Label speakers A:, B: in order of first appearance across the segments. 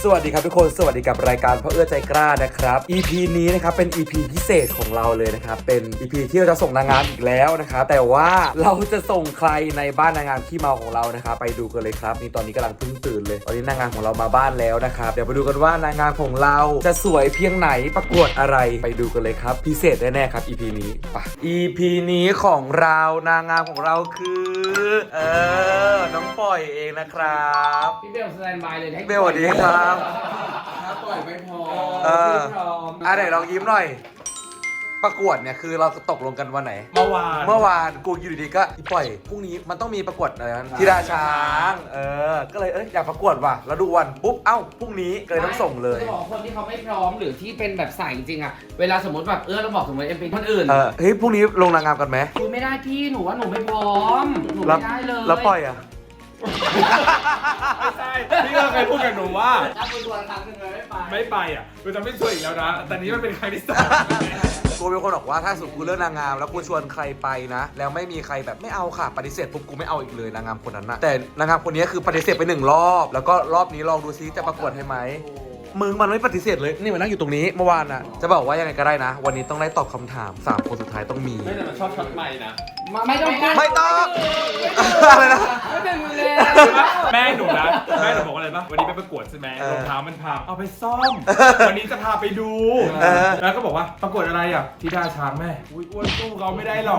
A: สวัสดีครับทุกคนสวัสดีกับรายการพ่อเอื้อใจกล้านะครับ EP นี้นะครับเป็น EP พิเศษของเราเลยนะครับเป็น EP ที่เราจะส่งนางงามอีกแล้วนะครับแต่ว่าเราจะส่งใครในบ้านนางงามขี้เมาของเรานะครับไปดูกันเลยครับนี่ตอนนี้กำลังเพิ่งตื่นเลยตอนนี้นางงามของเรามาบ้านแล้วนะครับเดี๋ยวไปดูกันว่านางงามของเราจะสวยเพียงไหนประกวดอะไรไปดูกันเลยครับพิเศษแน่ๆครับ EP นี้ไป EP นี้ของเรานางงามของเราคือน้องปล่อยเองนะครับ
B: พี่เบลสแตนบายเลยให้
A: เบลสวัสดีครับ
B: ถ้าปล่อยไม่พอ
A: ไม่
B: พร้อม
A: ไหนลองยิ้มหน่อยประกวดเนี่ยคือเราตกลงกันวันไหน
C: เมื่อวาน
A: กูอยู่ดีๆก็อีปล่อยพรุ่งนี้มันต้องมีประกวดอะไรนะธิดาช้างก็เลยอยากประกวดว่ะแล้วดูวันปุ๊บเอ้าพรุ่งนี้ก็เลยต้องส่งเลย
B: จะบอกคนที่เขาไม่พร้อมหรือที่เป็นแบบใส่จริงอะเวลาสมมติแบบเราบอกสมมติเป็นคนอื่น
A: เฮ้ยพรุ่งนี้ลงนางงามกันไหม
B: คุยไม่ได้พี่หนูว่าหนูไม่พร้อมหนูไม่ได้เลย
A: แล้วปล่อยอะ
C: ไม่ใช่พี่ก็เคยพูดกับหนูว่า
B: ถ้าคุยตัวครั้งหนึ่งเลย
C: ไม่ไปอ่ะกูจะไม่ช่วยอีกแล้วนะแต่นี้มันเป็นครั้งที่สอง
A: กูเป็นคนบอกว่าถ้าสุดกูเลือกนางงามแล้วกูชวนใครไปนะแล้วไม่มีใครแบบไม่เอาค่ะปฏิเสธปุ๊บกูไม่เอาอีกเลยนางงามคนนั้นนะแต่นางงามคนนี้คือปฏิเสธไป1 รอบแล้วก็รอบนี้ลองดูซิจะประกวดให้ไหมมึงมันไม่ปฏิเสธเลยนี่มันนั่งอยู่ตรงนี้เมื่อวานน่ะจะบอกว่ายังไงก็ได้นะวันนี้ต้องได้ตอบคำถาม3 คนสุดท้ายต้องมี
C: ไม่แต่มันชอบช็อตใหม่นะ
B: ไม่ต้อง
A: อะไรนะ
B: ไม่เป็นเลย
C: แม่หนูนะแม่หนูบอกว่าอะไรปะวันนี้ไปประกวดใช่ไหมรองเท้ามันพังเอาไปซ่อมวันนี้จะพาไปดูแล้วก็บอกว่าประกวดอะไรอ่ะธิดาช้างแม่อุ้ยอ้วนสู้เขาไม่ได้หรอก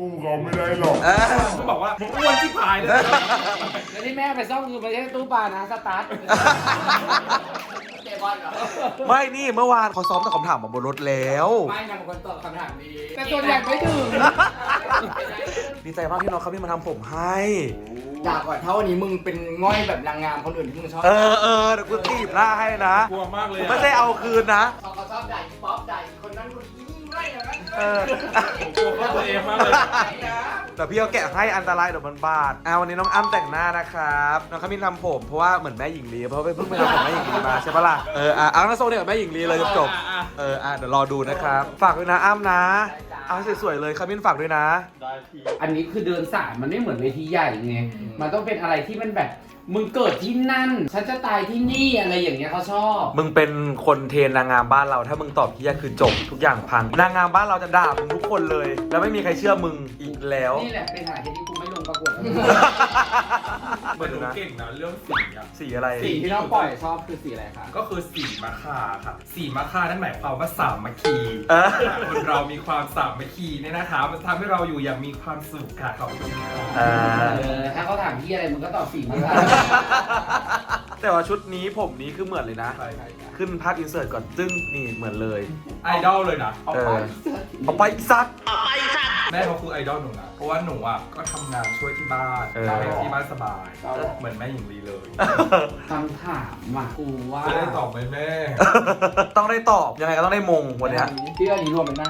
C: ก็บอกว่ามึงอ้วนที่ผายเลย
B: แล้วที่แม่ไปซ่อมคือไม่ใช่ตู้ปลานะสตาร์ทเตะบอลเหรอ
A: ไม่นี่เมื่อวานเขาซ้อมตอบคำถามมาบนรถแล้ว
B: ไม่นำคนตอบคำถามดีแต่ส่วนใหญ่ไม่ถึง
A: ดีใจมากที่น้องเขาพี่มาทำผมให้
B: ด่าก่อนถ้าวันนี้มึงเป็นง่อยแบบนางงามคนอื่นที่มึงชอบ
A: เดี๋ยวกูตีบหน้าให้นะ
C: กลัวมากเลย
A: ไม่ได้เอาคืนนะ
B: เขาชอบด่าป๊อปด่าคนนั้นคนนี้ง่อยอย่างนั้น
C: กลัวเขาตัวเองมากเลย
A: แต่พี่เขาแกะให้อันตรายเดี๋ยวมันบาดวันนี้น้องอ้ำแต่งหน้านะครับน้องเขามีทำผมเพราะว่าเหมือนแม่หญิงลีเพราะเพิ่งไปทำผมแม่หญิงลีมาใช่ปะล่ะเอาแล้วโซ่เนี่ยแม่หญิงลีเลยจบเดี๋ยวรอดูนะครับฝากด้วยนะอ้ำนะเอาสวยๆเลยคามินฝากด้วยนะ
B: อันนี้คือเดินสายมันไม่เหมือนเวทีใหญ่ไงมันต้องเป็นอะไรที่มันแบบมึงเกิดที่นั่นฉันจะตายที่นี่อะไรอย่างเงี้ยเขาชอบ
A: มึงเป็นคนเทรนนางงามบ้านเราถ้ามึงตอบที่ยากคือจบทุกอย่างพังนางงามบ้านเราจะด่ามึงทุกคนเลยแล้วไม่มีใครเชื่อมึงอีกแล้ว
B: นี่แหละเป็นสาเหตุที่กูไม่ลงประกวด
C: เหมือนหนูเก่งนะเรื่องสีอะ
A: สีอะไร
B: สีที่เราปล่อยชอบคือสีอะไรคะ
C: ก็คือสีมะค่าค่ะสีมะค่านั่นหมายความว่าสามัคคีคนเรามีความสามัคคีเนี่ยนะคะมันทำให้เราอยู่อย่างมีความสุขค่ะขอบคุณค่ะ
B: ถ้าเขาถามพี่อะไรมึงก็ตอบสีมะค่า
A: แต่ว่าชุดนี้ผมนี้คือเหมือนเลยนะขึ้นภาพอินเสิร์ตก่อนซึ่งนี่เหมือนเลย
C: ไอดอลเลยนะ
A: เอาไปซัก
C: แม่เขาคือไอดอลหนูนะเพราะว่าหนูอ่ะก็ทำงานช่วยที่บ้านที่บ้านสบายเหมือนแม่หญิงลีเลย
B: คำถามว่ะกูว่า
C: จะได้ตอบไหมแม่
A: ต้องได้ตอบยังไงก็ต้องได้มงวันนี้
B: พี่อันนี้รวมเป็นหน้า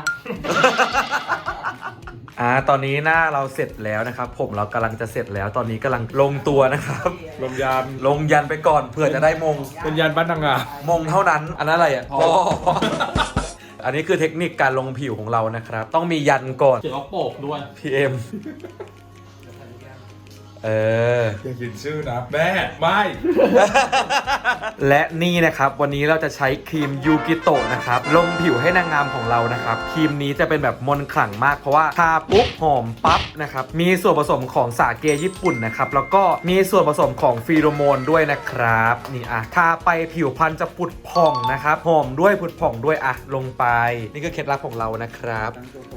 A: ตอนนี้หน้าเราเสร็จแล้วนะครับผมเรากำลังจะเสร็จแล้วตอนนี้กำลังลงตัวนะครับ
C: ลง
A: ยันไปก่อนเผื่อจะได้มง
C: เป็นยันบ้านนางงาม
A: มงเท่านั้นอันนั้นอะไรอ่ะอันนี้คือเทคนิคการลงผิวของเรานะครับต้องมียันก่อน
C: เขียนว่าโปกด้วย
A: PM
C: อย่าเขียนชื่อนะแม่ไม่
A: และนี่นะครับวันนี้เราจะใช้ครีมยูกิโตะนะครับลงผิวให้นางงามของเรานะครับครีมนี้จะเป็นแบบมนต์ขลังมากเพราะว่าทาปุ๊บหอมปั๊บนะครับมีส่วนผสมของสาเกญี่ปุ่นนะครับแล้วก็มีส่วนผสมของฟีโรโมนด้วยนะครับนี่ทาไปผิวพรรณจะผุดผ่องนะครับหอมด้วยผุดผ่องด้วยลงไปนี่คือเคล็ดลับของเรานะครับ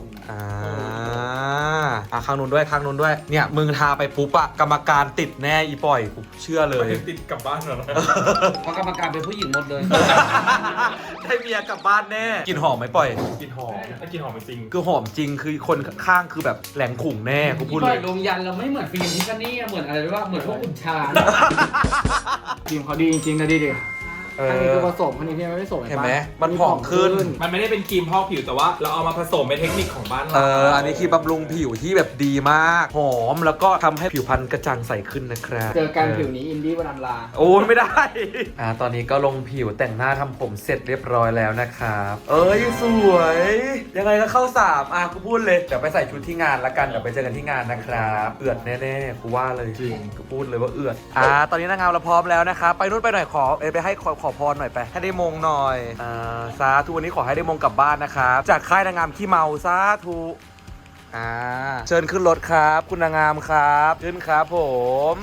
A: ข้างนู้นด้วยเนี่ยมึงทาไปปุ๊บกรรมการติดแน่อีปล่อยกูเชื่อเลย
C: ติดกลับบ้านเหรอ
B: เพราะกรรมการเป็นผู้หญิงหมดเลย
A: ได้เมียกลับบ้านแน่กินหอมไหมปล่อย
C: กินหอมกินหอมจริง
A: คือหอมจริงคือคนข้างคือแบบแหลงขุ่งแน่กูพูดเลย
B: ลงยันเราไม่เหมือนฟิล์มทิฟฟานี่เหมือนอะไรว่าเหมือนพวกอุ่นชาฟิล์มเขาดีจริงๆนะดิอันนี้คือผสมอันนี้พี่ไม่ผสม
A: เห็นไหมมันผ่องขึ้น
C: มันไม่ได้เป็นครีมพอกผิวแต่ว่าเราเอามาผสมเป็นเทคนิคของบ้านเรา
A: อันนี้คือบำรุงผิวที่แบบดีมากหอมแล้วก็ทำให้ผิวพรรณกระจ่างใสขึ้นนะครับ
B: เจอกันผิวนี้อินดี้วันอัมลา
A: โอ้ไม่ได้ตอนนี้ก็ลงผิวแต่งหน้าทำผมเสร็จเรียบร้อยแล้วนะครับสวยยังไงก็เข้า3กูพูดเลยเดี๋ยวไปใส่ชุดที่งานละกันเดี๋ยวไปเจอกันที่งานนะครับเอือดแน่ๆกูว่าเลยจริงกูพูดเลยว่าเอือดตอนนี้นางงามเราพร้อมแล้วนะครับไปนู่นไปหน่อยขอไปให้ขขอพรหน่อยไปให้ได้มงหน่อยสาธุวันนี้ขอให้ได้มงกลับบ้านนะครับจากค่ายนางงามขี้เมาสาธุเชิญขึ้นรถครับคุณนางงามครับขึ้นครับผม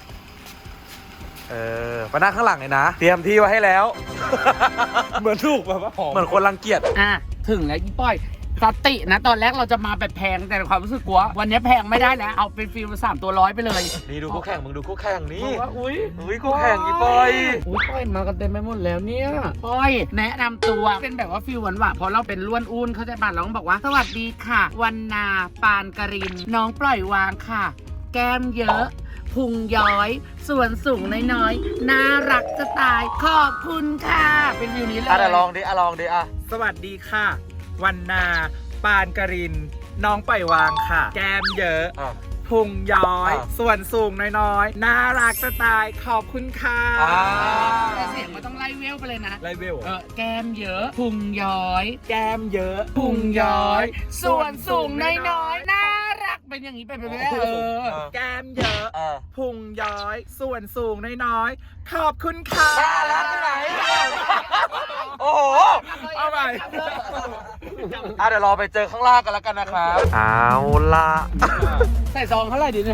A: มานั่งข้างหลังเลยนะเตรียมที่ไว้ให้แล้ว
C: เหมือนถูกแบบว่าหอม
A: เหมือนคนรังเกียจ
B: ถึงแล้วอีป้อยสตินะตอนแรกเราจะมาแบบแพงแต่ในความรู้สึกกลัววันนี้แพงไม่ได้แล้วเอาเป็นฟิล3 ตัว100ไปเลย
A: นี่ดูคู่แข่งมึงดูคู่แข่งนี่
B: ว่าอุ้ย
A: คู่แข่งอีปอย
B: ป้อยมากันเต็มไปหมดแล้วเนี่ยป้อยแนะนำตัวเป็นแบบว่าฟิลหวานๆเพราะเราเป็นล้วนอุ้นเขาใจป่ะเราต้องบอกว่าสวัสดีค่ะวันนาปานกรินน้องปล่อยวางค่ะ แก้มเยอะพุงย้อยส่วนสูงน้อยๆน่ารักจะตายขอบคุณค่ะเป็นฟิลนี้เลย
A: ลองดิลองดิ
C: สวัสดีค่ะ วันนาปานกรินน้องปล่อยวางค่ะ แก้มเยอะพุงย้อยส่วนสูงน้อยๆน่ารักจะตายขอบคุณค่ะ
B: แต่เสียงมันต้องไล่เวลไปเลยนะ
C: ไลเวล
B: แก้มเยอะพุงย้อย
C: แก้มเยอะ
B: พุงย้อย ส่วนสูงน้อยๆน่ารักเป็นอย่างนี้เป็นไปไม่ได้
C: แก้มเยอะพุงย้อยส่วนสูงน้อยๆขอบคุณค่ะ
A: น่ารักที่ไหน โอ้โห
C: เอาใหม่
A: เดี๋ยวรอไปเจอข้างล่างกันแล้วกันนะครับเอาละ
B: ใส่ซองเท่าไหร่ดีเนี่ย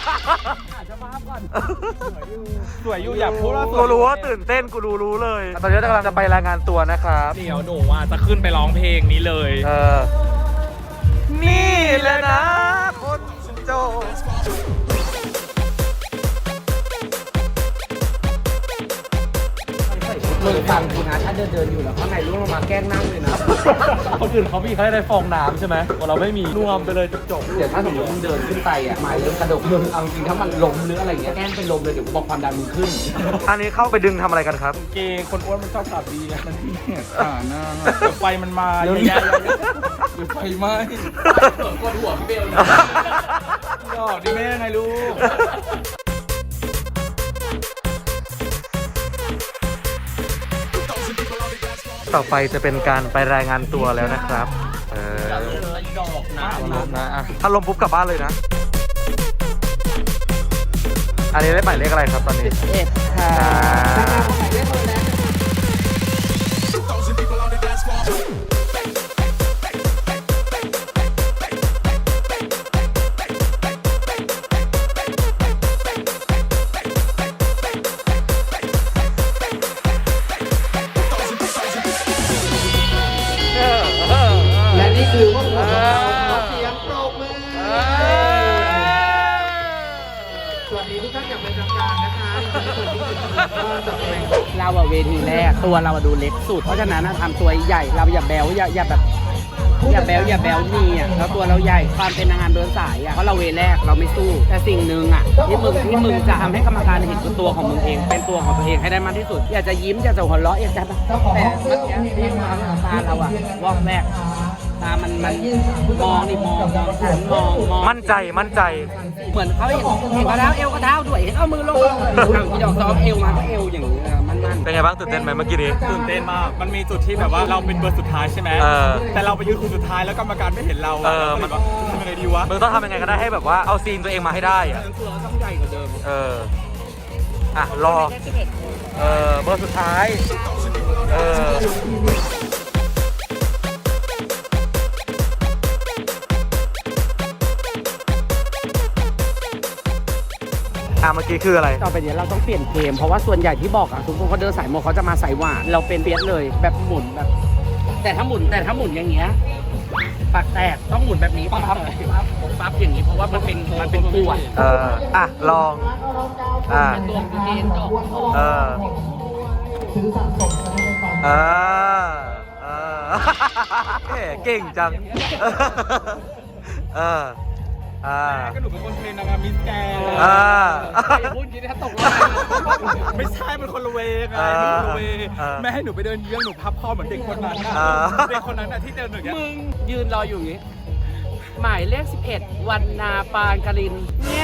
C: สวยอยู่อยากพูดว่า
A: กูรู้ว่าตื่นเต้นกูรู้เลย ตอนนี้กำลังจะไปรายงานตัวนะครับ
C: เดี๋ยวหนูจะขึ้นไปร้องเพลงนี้เลย
A: นี่แหละนะคนโจ
B: มึงฟังกูนะถ้าเดินอยู่แล้วข้างในร่วงลงมาแกล้งนั่งเลยนะ
A: คนอื่นเขามีให้ได้ฟองน้ำใช่ไหมเราไม่มีรวมไปเลยจบ
B: เดี๋ยวถ้าสมมติมึงเดินขึ้นไปอ่ะหมายเริ่มกระดกมึงเอาจริงถ้ามันล้มหรืออะไรเงี้ยแกล้งเป็นลมเลยเดี๋ยวบอกความดันมึงขึ้น
A: อันนี้เข้าไปดึงทำอะไรกันครับ
C: เกย์คนอ้วนมันชอบขับดีไงมันที่เนี่ยหน้าไฟมันมา
B: เดี๋ยว
C: เยอะๆเดี๋ยวไฟไหม้
B: กดหัวพี่เบล
C: ดอกดิแม่ไงลูก
A: ต่อไปจะเป็นการไปรายงานตัวแล้วนะครับ
C: ดอกนะ
A: ถ้าลมปุ๊บกลับบ้านเลยนะ อันนี้ได้หมายเลขอะไรครับตอนนี้
B: 11ค่ะ และนี่คือพวกเราขอเสียงปรบมือสวัสดีทุกท่านอย่างเป็นทางการนะคะเราอะเวทีแรกตัวเราอะดูเล็กสุดเพราะฉะนั้นทำตัวใหญ่เราอย่าแบวอย่าแบบอย่าแบวนี่อ่ะแล้วตัวเราใหญ่ความเป็นนางงามเดินสายอ่ะเพราะเราเวแรกเราไม่สู้แต่สิ่งหนึ่งอ่ะที่มึงจะทำให้กรรมการเห็นตัวของมึงเองเป็นตัวของตัวเองให้ได้มากที่สุดอยากจะยิ้มอยากจะหัวเราะอยากจะแต่เมื่อกี้ที่มาตาเราอ่ะวอกแรกตามันมองนี่มอง
A: มั่นใจ
B: เหมือนเขาเห็นกระเท้าเอวกระเท้าด้วยเห็นเอามือลงที่ดอกซ้อมเอวมาก็เอวอย่างนี้มัน
A: เป็นไงบ้างตื่นเต้นไหมเมื่อกี้นี้
C: ตื่นเต้นมาก มันมีจุดที่แบบว่าเราเป็นเบอร์สุดท้ายใช่ไหมแต่เราไปยืนคนสุดท้ายแล้วกรรมการไม่เห็นเรามันทำยังไงดีวะ
A: มึงต้องทำยังไงก็ได้ให้แบบว่าเอาซีนตัวเองมาให้ได้อะ
B: ตัวต้องใหญ่กว่าเดิม
A: รอเบอร์สุดท้ายเมื่อกี้คืออะไร
B: ต่อไปเดี๋ยวเราต้องเปลี่ยนเกมเพราะว่าส่วนใหญ่ที่บอกอะทุกคนเขาเดินสายโมเขาจะมาสายหวานเราเป็นเปียสเลยแบบหมุนแบบแต่ถ้าหมุนอย่างเงี้ยปากแตกต้องหมุนแบบนี้ปั๊บอย่างนี้เพราะว่ามันเป็นปวด
A: ลอง
B: เป็นตัวของเกมจบ
A: เก่งจัง
C: ก็หนูเป็นคนเทรนนางงามมิสแกน
B: พูดกินถ้าตก
C: ไม่ใช่มันคนละเวไงแม่ให้หนูไปเดินเยื้องหนูพับคอเหมือนเด็กคนนั้นเด็กคนนั้นที่เดินอย่างเงี้ย
B: มึงยืนรออยู่อย่างงี้หมายเลข11วันนาปานกรินเนี่ย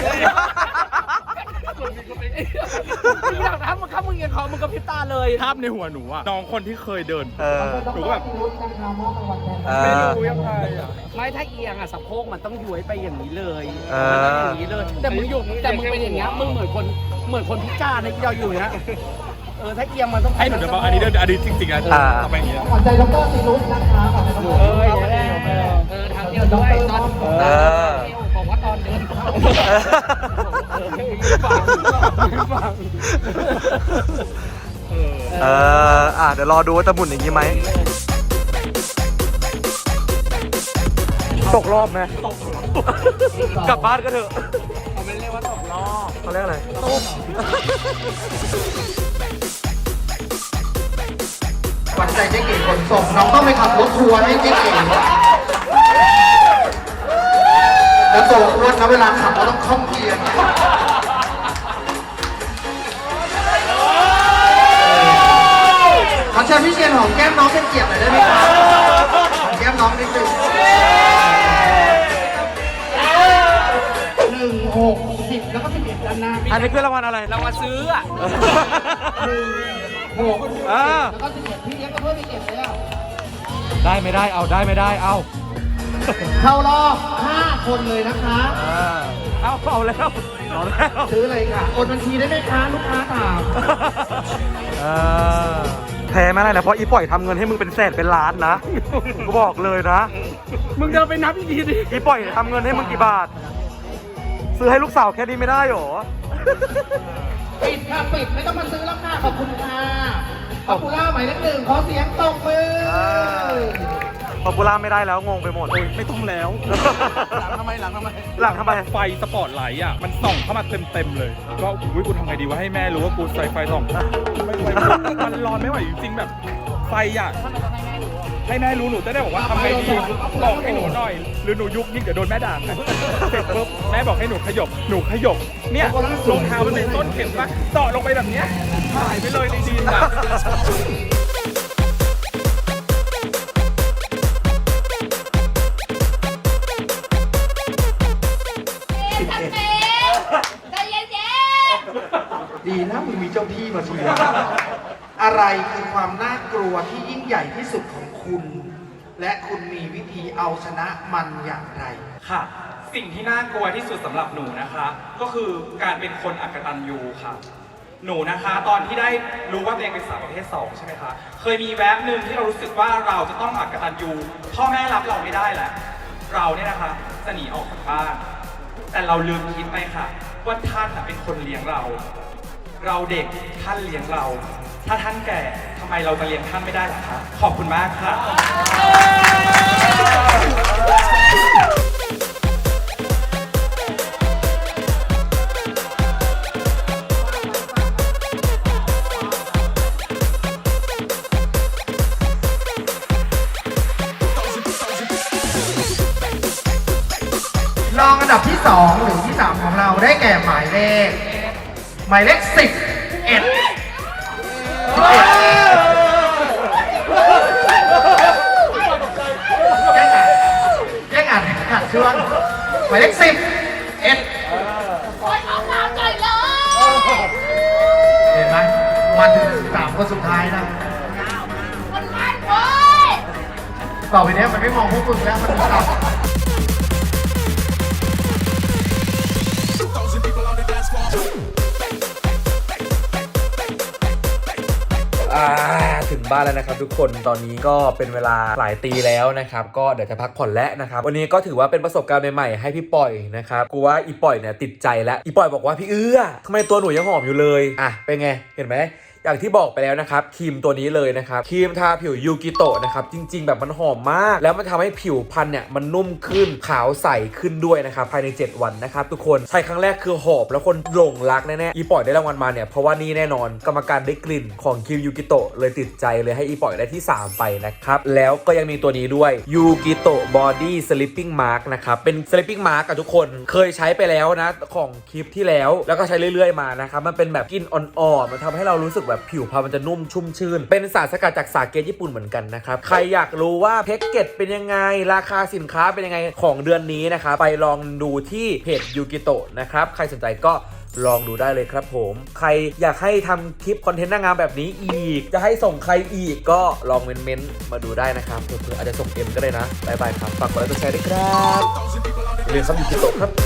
B: มึงอยากทำมึงยังเขามึงก็พิบตาเลย
C: ภาพในหัวหนูอะน้องคนที่เคยเดินหนูก็แบบไม่รู้ยังไงอะ
B: ไม่ถ้าเอียงอะสะโพกมันต้องย้วยไปอย่างนี้เลยอย่างนี้เลยแต่มึงเป็นอย่างเงี้ยมึงเหมือนคนพิการในที่เราอยู่เนี้ยถ้าเอียงมันต้อง
C: ให้หนูจะบอกอันนี้จริงๆนะเอาไปอย่างเงี้ย
D: ขวัญใจดรซีรุสนะคะขวัญใจดร
B: อย่างนี้ทางเดียวด้วยตอนบอกว่าตอนเดินเข้าฟัง
A: เดี๋ยวรอดูว่าจะหมุนอย่างนี้ไหมตกรอบไหมกลับบ้านก็เถอะ
B: เขาไม่เรียกว่าตกรอบ
A: เขาเรียกอะไร
D: ขวัญใจเจ๊เก๋ขนส่งน้องต้องไปขับรถทัวร์ให้เจ๊เก๋แล้วตัวอ้วนนะเวลาขับเราต้องคล่องเกียร์ขอเชิญพี่เชียนหอมแก้มน้องเป็นเกียรติหน่อยได้ไหมครับหอมแก้มน้องนิดนึง1 6 10แล้วก็11ด้านหน้า
A: อันนี้คือรางวัลอะไร
B: เรามาซื้ออ่ะ
D: 1 6แล้วก็11พี่เลี้ยงก็เพิ่มไปเก็บเลยอ่ะ
A: ได้ไม่ได้เอาได้ไม่ได้เอา
D: เข้ารอบ5 คนเลยนะคะ
A: เอาแล้ว
D: ซื้อเลยค่ะโอนบัญชีได้ไหมคะลูกค้าถาม
A: แพ้ไม่ได้นะเพราะอีปล่อยทำเงินให้มึงเป็นแสนเป็นล้านนะกูบอกเลยนะ
B: มึงจะไปนับอีกทีดิ
A: อีปล่อยทำเงินให้มึงกี่บาท ซื้อให้ลูกสาวแค่นี้ไม่ได้หรอ
D: ปิดค่ะปิดไม่ต้องมาซื้อแล้วค่ะขอบคุณค่ะขอบคุณล่าหมายเลข 1ขอเสียงตบมือ
A: พอปูล่าไม่ได้แล้วงงไปหมด
C: ไม่ต้องแล้ว
B: หลังทำไม
A: หลังทำไม
C: ไฟสปอตไลท์อ่ะมันส่องเข้ามาเต็มเลยก็อุ้ยกูทำไงดีว่าให้แม่รู้ว่ากูใส่ไฟส่องไม่ไหวมันร้อนไม่ไหวจริงๆแบบไฟอ่ะให้แม่รู้หนูจะได้บอกว่าทำไงดีบอกให้หนูหน่อยหรือหนูยุกยิ่งเดี๋ยวโดนแม่ด่าเสร็จปุ๊บแม่บอกให้หนูขยบเนี่ยรองเท้ามันเป็นต้นเข็มปะต่อลงไปแบบเนี้ยหายไปเลยในดินอ่ะ
E: ใจเย็น
D: ดีนะมึงมีเจ้าที่มาเชียร์อะไรคือความน่ากลัวที่ยิ่งใหญ่ที่สุดของคุณ และคุณมีวิธีเอาชนะมันอย่างไร
F: ค่ะ สิ่งที่น่ากลัวที่สุดสำหรับหนูนะคะ ก็คือการเป็นคนอักตันยูค่ะ หนูนะคะ ตอนที่ได้รู้ว่าตัวเองเป็นสาวประเภท2ใช่ไหมคะเคยมีแวบหนึ่งที่เรารู้สึกว่าเราจะต้องอักตันยูพ่อแม่รับเราไม่ได้แล้วเราเนี่ยนะคะจะหนีออกจากบ้าน แต่เราลืมคิดไปค่ะ ว่าท่านเป็นคนเลี้ยงเรา เราเด็กท่านเลี้ยงเรา ถ้าท่านแก่ทำไมเราจะเลี้ยงท่านไม่ได้ล่ะคะขอบคุณมากค่ะ
D: รองอันดับที่ 2 หรือที่ 3 ของเราได้แก่หมายเลข 11แย่งอ่านขาดช่วงหมายเลข11
E: โอ๊ยเอาน้ำใจเลย
D: เห็นไหมมาถึง3 คนสุดท้ายนะ
E: มันมันเว้ย
D: ต่อไปเนี้ยมันไม่มองพวกมึงแล้วมันมองเรา
A: ถึงบ้านแล้วนะครับทุกคนตอนนี้ก็เป็นเวลาหลายตีแล้วนะครับก็เดี๋ยวจะพักผ่อนแล้วนะครับวันนี้ก็ถือว่าเป็นประสบการณ์ใหม่ๆให้พี่ปล่อยนะครับกูว่าอีปล่อยเนี่ยติดใจแล้วอีปล่อยบอกว่าพี่ทำไมตัวหนูยังหอมอยู่เลยเป็นไงเห็นไหมอย่างที่บอกไปแล้วนะครับครีมตัวนี้เลยนะครับครีมทาผิวยูกิโตะนะครับจริงๆแบบมันหอมมากแล้วมันทำให้ผิวพรรณเนี่ยมันนุ่มขึ้นขาวใสขึ้นด้วยนะครับภายใน7 วันนะครับทุกคนใช้ครั้งแรกคือหอมแล้วคนหลงรักแน่ๆอีปล่อยได้รางวัลมาเนี่ยเพราะว่านี่แน่นอนกรรมการได้กลิ่นของครีมยูกิโตะเลยติดใจเลยให้อีปล่อยได้ที่3ไปนะครับแล้วก็ยังมีตัวนี้ด้วยยูกิโตะบอดี้สลิปปิ้งมาร์กนะครับเป็นสลิปปิ้งมาร์กกับทุกคนเคยใช้ไปแล้วนะของคลิปที่แล้วก็ใช้เรื่อยๆมานะครับมันเป็นแบบกลิ่นอ่อนๆมันทำให้เรารู้สึกแบบผิวพรรณมันจะนุ่มชุ่มชื่นเป็นสารสกัดจากสาเกญี่ปุ่นเหมือนกันนะครับใครอยากรู้ว่าแพ็กเกจเป็นยังไงราคาสินค้าเป็นยังไงของเดือนนี้นะครับไปลองดูที่เพจยูกิโตะนะครับใครสนใจก็ลองดูได้เลยครับผมใครอยากให้ทำคลิปคอนเทนต์นางงามแบบนี้อีกจะให้ส่งใครอีกก็ลองเม้นต์มาดูได้นะครับเผื่ออาจจะส่งเอ็มก็ได้นะบ๊ายบายครับฝากกดไลค์กดแชร์ด้วยครับเรียนซับยูกิโตะครับ